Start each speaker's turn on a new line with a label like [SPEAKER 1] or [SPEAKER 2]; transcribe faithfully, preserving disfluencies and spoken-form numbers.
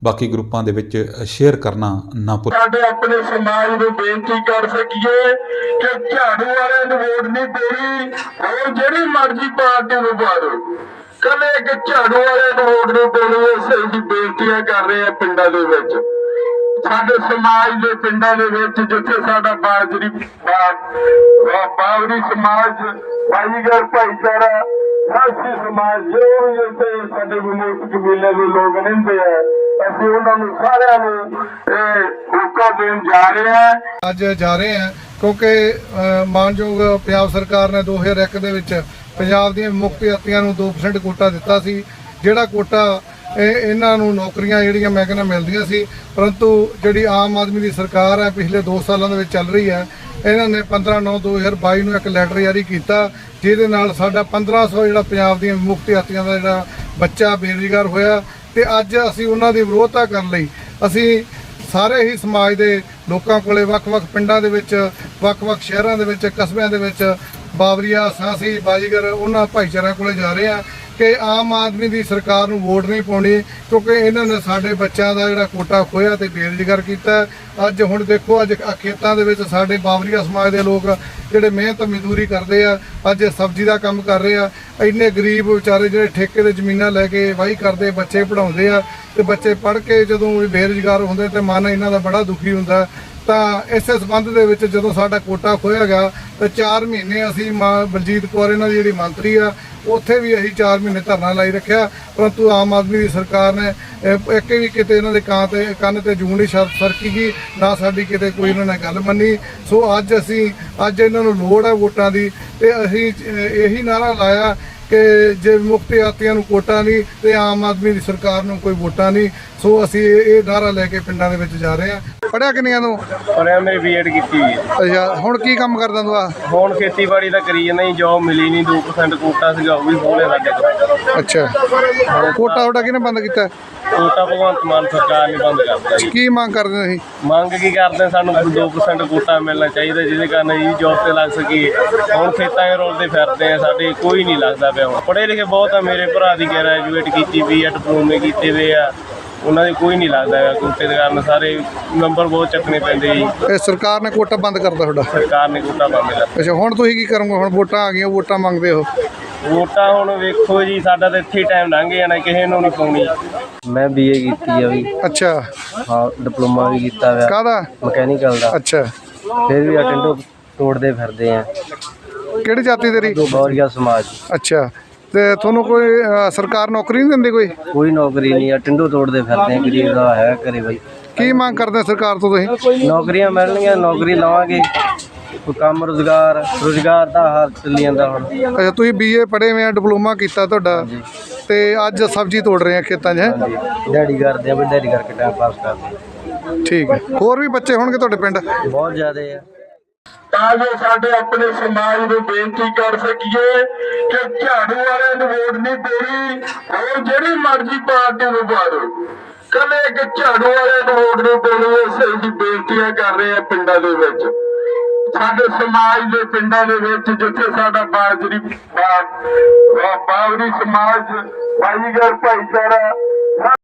[SPEAKER 1] ਬਾਕੀ ਗਰੁੱਪਾਂ ਦੇ ਵਿੱਚ ਸ਼ੇਅਰ ਕਰਨਾ ਨਾ ਭੁੱਲੋ।
[SPEAKER 2] ਸਾਡੇ ਆਪਣੇ ਸਮਾਜ ਨੂੰ ਬੇਨਤੀ ਕਰ ਸਕੀਏ ਕਿ ਝਾੜੂ ਵਾਲਿਆਂ ਨੂੰ ਵੋਟ ਨਹੀਂ ਦੇਣੀ, ਹੋਰ ਜਿਹੜੀ ਮਰਜ਼ੀ ਪਾਰਟੀ ਨੂੰ ਪਾ ਦਿਓ, ਕੱਲੇ ਇੱਕ ਝਾੜੂ ਵਾਲਿਆਂ ਨੂੰ ਵੋਟ ਨਹੀਂ ਦੇਣੀ। ਅਸੀਂ ਦੀ ਬੇਨਤੀਆਂ ਕਰ ਰਹੇ ਹਾਂ ਪਿੰਡਾਂ ਦੇ ਵਿੱਚ, ਸਾਡੇ ਸਮਾਜ ਦੇ ਪਿੰਡਾਂ ਦੇ ਵਿੱਚ ਜਿੱਥੇ ਸਾਡਾ ਬਾਜਰੀ ਬਾਵਰੀ ਸਮਾਜ, ਭਾਈਗਰ ਭਾਈਚਾਰਾ, ਸਾਸੀ ਸਮਾਜ, ਜੋ ਵੀ ਇੱਥੇ ਸਾਡੇ ਵਿਮੁਕਤ ਕਬੀਲੇ ਦੇ ਲੋਕ ਰਹਿੰਦੇ ਆ, ਅਸੀਂ ਉਹਨਾਂ ਨੂੰ ਸਾਰਿਆਂ ਨੂੰ ਇਹ ਹੋਕਾ ਦੇਣ ਜਾ ਰਹੇ ਹਾਂ।
[SPEAKER 3] ਅੱਜ ਜਾ ਰਹੇ ਹਾਂ ਕਿਉਂਕਿ ਮਾਨਯੋਗ ਪੰਜਾਬ ਸਰਕਾਰ ਨੇ ਦੋ ਹਜ਼ਾਰ ਇੱਕ ਦੇ ਵਿੱਚ ਪੰਜਾਬ ਦੀਆਂ ਮੁਕਤ ਯਾਤਰੀਆਂ ਨੂੰ ਦੋ ਪਰਸੈਂਟ ਕੋਟਾ ਦਿੱਤਾ ਸੀ, ਜਿਹੜਾ ਕੋਟਾ ਇਹ ਇਹਨਾਂ ਨੂੰ ਨੌਕਰੀਆਂ ਜਿਹੜੀਆਂ ਮੈਂ ਕਹਿੰਦਾ ਮਿਲਦੀਆਂ ਸੀ। ਪਰੰਤੂ ਜਿਹੜੀ ਆਮ ਆਦਮੀ ਦੀ ਸਰਕਾਰ ਹੈ ਪਿਛਲੇ ਦੋ ਸਾਲਾਂ ਦੇ ਵਿੱਚ ਚੱਲ ਰਹੀ ਹੈ, ਇਹਨਾਂ ਨੇ ਪੰਦਰਾਂ ਨੌਂ ਦੋ ਹਜ਼ਾਰ ਬਾਈ ਨੂੰ ਇੱਕ ਲੈਟਰ ਜਾਰੀ ਕੀਤਾ ਜਿਹਦੇ ਨਾਲ ਸਾਡਾ ਪੰਦਰਾਂ ਸੌ ਜਿਹੜਾ ਪੰਜਾਬ ਦੀਆਂ ਮੁਕਤ ਯਾਤਰੀਆਂ ਦਾ ਜਿਹੜਾ ਬੱਚਾ ਬੇਰੁਜ਼ਗਾਰ ਹੋਇਆ। ਤੇ ਅੱਜ ਅਸੀਂ ਉਹਨਾਂ ਦੀ ਵਿਰੋਧਤਾ ਕਰਨ ਲਈ ਅਸੀਂ ਸਾਰੇ ਹੀ ਸਮਾਜ ਦੇ ਲੋਕਾਂ ਕੋਲੇ ਵੱਖ-ਵੱਖ ਪਿੰਡਾਂ ਦੇ ਵਿੱਚ, ਵੱਖ-ਵੱਖ ਸ਼ਹਿਰਾਂ ਦੇ ਵਿੱਚ, ਕਸਬਿਆਂ ਦੇ ਵਿੱਚ ਬਾਵਰੀਆ, ਸਾਂਸੀ, ਬਾਜੀਗਰ ਉਹਨਾਂ ਭਾਈਚਾਰਿਆਂ ਕੋਲੇ ਜਾ ਰਹੇ ਆ ਕਿ ਆਮ ਆਦਮੀ ਦੀ ਸਰਕਾਰ ਨੂੰ ਵੋਟ ਨਹੀਂ ਪਾਉਣੀ ਕਿਉਂਕਿ ਇਹਨਾਂ ਨੇ ਸਾਡੇ ਬੱਚਿਆਂ ਦਾ ਜਿਹੜਾ ਕੋਟਾ ਖੋਇਆ ਤੇ ਬੇਰੁਜ਼ਗਾਰ ਕੀਤਾ। ਅੱਜ ਹੁਣ ਦੇਖੋ ਅੱਜ ਖੇਤਾਂ ਦੇ ਵਿੱਚ ਸਾਡੇ ਬਾਵਰੀਆ ਸਮਾਜ ਦੇ ਲੋਕ ਜਿਹੜੇ ਮਿਹਨਤ ਮਜ਼ਦੂਰੀ ਕਰਦੇ ਆ, ਅੱਜ ਸਬਜ਼ੀ ਦਾ ਕੰਮ ਕਰ ਰਹੇ ਆ। ਇੰਨੇ ਗਰੀਬ ਵਿਚਾਰੇ ਜਿਹੜੇ ਠੇਕੇ ਦੇ ਜ਼ਮੀਨਾਂ ਲੈ ਕੇ ਵਾਹੀ ਕਰਦੇ, ਬੱਚੇ ਪੜ੍ਹਾਉਂਦੇ ਆ ਤੇ ਬੱਚੇ ਪੜ੍ਹ ਕੇ ਜਦੋਂ ਬੇਰੁਜ਼ਗਾਰ ਹੁੰਦੇ ਤੇ ਮਨ ਇਹਨਾਂ ਦਾ ਬੜਾ ਦੁਖੀ ਹੁੰਦਾ। ਤਾਂ ਇਸੇ ਸੰਬੰਧ ਦੇ ਵਿੱਚ ਜਦੋਂ ਸਾਡਾ ਕੋਟਾ ਖੋਇਆ ਗਿਆ ਤਾਂ ਚਾਰ ਮਹੀਨੇ ਅਸੀਂ ਮਾਂ ਬਲਜੀਤ ਕੌਰ ਇਹਨਾਂ ਦੀ ਜਿਹੜੀ ਮੰਤਰੀ ਆ ਉੱਥੇ ਵੀ ਅਸੀਂ ਚਾਰ ਮਹੀਨੇ ਧਰਨਾ ਲਾਈ ਰੱਖਿਆ, ਪਰੰਤੂ ਆਮ ਆਦਮੀ ਦੀ ਸਰਕਾਰ ਨੇ ਇੱਕ ਵੀ ਕਿਤੇ ਇਹਨਾਂ ਦੇ ਕਾਂ ਤੇ ਕੰਨ ਤੇ ਜੂੰ ਨਹੀਂ ਸਰਕੀ ਗਈ, ਨਾ ਸਾਡੀ ਕਿਤੇ ਕੋਈ ਇਹਨਾਂ ਨੇ ਗੱਲ ਮੰਨੀ। ਸੋ ਅੱਜ ਅਸੀਂ ਅੱਜ ਇਹਨਾਂ ਨੂੰ ਲੋੜ ਹੈ ਵੋਟਾਂ ਦੀ ਤੇ ਅਸੀਂ ਇਹੀ ਨਾਅਰਾ ਲਾਇਆ ਕਿ ਜੇ ਮੁਕਤ ਯਾਤਰੀਆਂ ਨੂੰ ਕੋਟਾ ਨਹੀਂ ਤੇ ਆਮ ਆਦਮੀ ਦੀ ਸਰਕਾਰ ਨੂੰ ਕੋਈ ਵੋਟਾਂ ਨਹੀਂ। ਸੋ ਅਸੀਂ ਇਹ ਨਾਅਰਾ ਲੈ ਕੇ ਪਿੰਡਾਂ ਦੇ ਵਿੱਚ ਜਾ ਰਹੇ ਹਾਂ। ਪੜ੍ਹਿਆ ਕਿੰਨੀਆਂ ਤੂੰ?
[SPEAKER 4] ਪੜ੍ਹਿਆ ਮੇਰੀ ਬੀਐਡ ਕੀਤੀ ਹੋਈ ਹੈ।
[SPEAKER 3] ਅੱਛਾ, ਹੁਣ ਕੀ ਕੰਮ ਕਰਦਾ ਤੂੰ? ਆ
[SPEAKER 4] ਹੁਣ ਖੇਤੀਬਾੜੀ ਦਾ ਕਰੀ ਜਾਂਦਾ ਜੀ, ਜੋਬ ਮਿਲੀ ਨਹੀਂ, ਦੋ ਪਰਸੈਂਟ ਕੋਟਾ ਸੀਗਾ ਉਹ ਵੀ ਹੋਲੇ ਸਾਡੇ ਕੋਲ।
[SPEAKER 3] ਅੱਛਾ, ਕੋਟਾ ਤੁਹਾਡਾ ਕਿਹਨੇ ਬੰਦ ਕੀਤਾ?
[SPEAKER 4] ਕੋਟਾ ਭਗਵੰਤ ਮਾਨ ਸਰਕਾਰ ਨੇ ਬੰਦ ਕਰਤਾ ਜੀ।
[SPEAKER 3] ਕੀ ਮੰਗ ਕਰਦੇ ਤੁਸੀਂ?
[SPEAKER 4] ਮੰਗ ਕੀ ਕਰਦੇ, ਸਾਨੂੰ ਦੋ ਪਰਸੈਂਟ ਕੋਟਾ ਮਿਲਣਾ ਚਾਹੀਦਾ ਜਿਹਦੇ ਕਾਰਨ ਜੀ ਜੋਬ ਤੇ ਲੱਗ ਸਕੀਏ। ਹੁਣ ਖੇਤਾਂ 'ਚ ਰੋਲਦੇ ਫਿਰਦੇ ਆ, ਸਾਡੇ ਕੋਈ ਨਹੀਂ ਲੱਗਦਾ ਪਿਆ। ਹੁਣ ਪੜ੍ਹੇ ਲਿਖੇ ਬਹੁਤ ਆ, ਮੇਰੇ ਭਰਾ ਦੀ ਗ੍ਰੈਜੂਏਟ ਕੀਤੀ ਵੀ ਆ, ਡਿਪਲੋਮੇ ਕੀਤੇ ਵੇ ਆ, ਉਹਨਾਂ ਦੇ ਕੋਈ ਨਹੀਂ ਲੱਗਦਾ ਹੈਗਾ ਕੋਟੇ ਦੇ ਕਾਰਨ। ਸਾਰੇ ਨੰਬਰ ਬਹੁਤ ਚੱਕਣੇ ਪੈਂਦੇ ਜੀ।
[SPEAKER 3] ਇਹ ਸਰਕਾਰ ਨੇ ਕੋਟਾ ਬੰਦ ਕਰਤਾ ਤੁਹਾਡਾ?
[SPEAKER 4] ਸਰਕਾਰ ਨੇ ਕੋਟਾ ਬੰਦ ਕਰਤਾ।
[SPEAKER 3] ਅੱਛਾ, ਹੁਣ ਤੁਸੀਂ ਕੀ ਕਰੋਗੇ? ਹੁਣ ਵੋਟਾਂ ਆ ਗਈਆਂ, ਵੋਟਾਂ ਮੰਗਦੇ ਹੋ?
[SPEAKER 4] ਵੋਟਾਂ ਹੁਣ ਵੇਖੋ ਜੀ, ਸਾਡਾ ਤਾਂ ਇੱਥੇ ਹੀ ਟਾਈਮ ਲੰਘ ਜਾਣਾ, ਕਿਸੇ ਨੂੰ ਨਹੀਂ ਪਾਉਣੀ। ਮੈਂ ਬੀਏ ਕੀਤੀ ਆ ਵੀ।
[SPEAKER 3] ਅੱਛਾ,
[SPEAKER 4] ਹਾਂ, ਡਿਪਲੋਮਾ ਵੀ ਕੀਤਾ ਹੋਇਆ।
[SPEAKER 3] ਕਾਹਦਾ?
[SPEAKER 4] ਮਕੈਨੀਕਲ ਦਾ।
[SPEAKER 3] ਅੱਛਾ,
[SPEAKER 4] ਫਿਰ ਵੀ ਅਟੈਂਡੋ ਤੋੜਦੇ ਫਿਰਦੇ ਆ।
[SPEAKER 3] ਕਿਹੜੀ ਜਾਤੀ ਤੇਰੀ?
[SPEAKER 4] ਬਾਵਰੀਆ ਸਮਾਜ।
[SPEAKER 3] ਅੱਛਾ, ਤੇ ਤੁਹਾਨੂੰ ਕੋਈ ਸਰਕਾਰ ਨੌਕਰੀ ਨਹੀਂ ਦਿੰਦੀ? ਕੋਈ
[SPEAKER 4] ਕੋਈ ਨੌਕਰੀ ਨਹੀਂ, ਅਟੈਂਡੋ ਤੋੜਦੇ ਫਿਰਦੇ ਆ। ਗਰੀਬ ਦਾ ਹੈ ਘਰੇ ਬਾਈ।
[SPEAKER 3] ਕੀ ਮੰਗ ਕਰਦੇ ਸਰਕਾਰ ਤੋਂ ਤੁਸੀਂ?
[SPEAKER 4] ਨੌਕਰੀਆਂ ਮਿਲਣਗੀਆਂ, ਨੌਕਰੀ ਲਵਾਂਗੇ, ਕੋਈ ਕੰਮ ਰੁਜ਼ਗਾਰ ਰੁਜ਼ਗਾਰ ਦਾ ਹਾਲ ਚੱਲੀ ਜਾਂਦਾ ਹੁਣ।
[SPEAKER 3] ਅੱਛਾ, ਤੁਸੀਂ ਬੀਏ ਪੜ੍ਹੇ ਹੋਏ ਆ, ਡਿਪਲੋਮਾ ਕੀਤਾ ਤੁਹਾਡਾ, ਤੇ ਅੱਜ ਸਬਜ਼ੀ ਤੋੜ ਰਹੇ ਆ ਖੇਤਾਂ 'ਚ? ਹੈ,
[SPEAKER 4] ਦਿਹਾੜੀ ਕਰਦੇ ਆ ਵੀ, ਦਿਹਾੜੀ ਕਰਕੇ ਟਾਈਮ ਪਾਸ ਕਰਦੇ ਆ।
[SPEAKER 3] ਠੀਕ ਹੈ। ਹੋਰ ਵੀ ਬੱਚੇ ਹੋਣਗੇ ਤੁਹਾਡੇ ਪਿੰਡ?
[SPEAKER 4] ਬਹੁਤ ਜ਼ਿਆਦੇ ਆ।
[SPEAKER 2] ਤਾਂ ਜੋ ਸਾਡੇ ਆਪਣੇ ਸਮਾਜ ਨੂੰ ਬੇਨਤੀ ਕਰ ਸਕੀਏ ਕਿ ਝਾੜੂ ਵਾਲਿਆਂ ਨੂੰ ਵੋਟ ਨਹੀਂ ਦੇਣੀ, ਹੋਰ ਜਿਹੜੀ ਮਰਜ਼ੀ ਪਾਰਟੀ ਨੂੰ ਪਾ ਦਿਓ, ਕੱਲੇ ਇੱਕ ਝਾੜੂ ਵਾਲਿਆਂ ਨੂੰ ਵੋਟ ਨਹੀਂ ਦੇਣੀ। ਅਸੀਂ ਦੀ ਬੇਨਤੀਆਂ ਕਰ ਰਹੇ ਹਾਂ ਪਿੰਡਾਂ ਦੇ ਵਿੱਚ, ਸਾਡੇ ਸਮਾਜ ਦੇ ਪਿੰਡਾਂ ਦੇ ਵਿੱਚ ਜਿੱਥੇ ਸਾਡਾ ਬਾਜਰੀ ਬਾਵਰੀ ਸਮਾਜ, ਭਾਈਗਰ ਭਾਈਚਾਰਾ,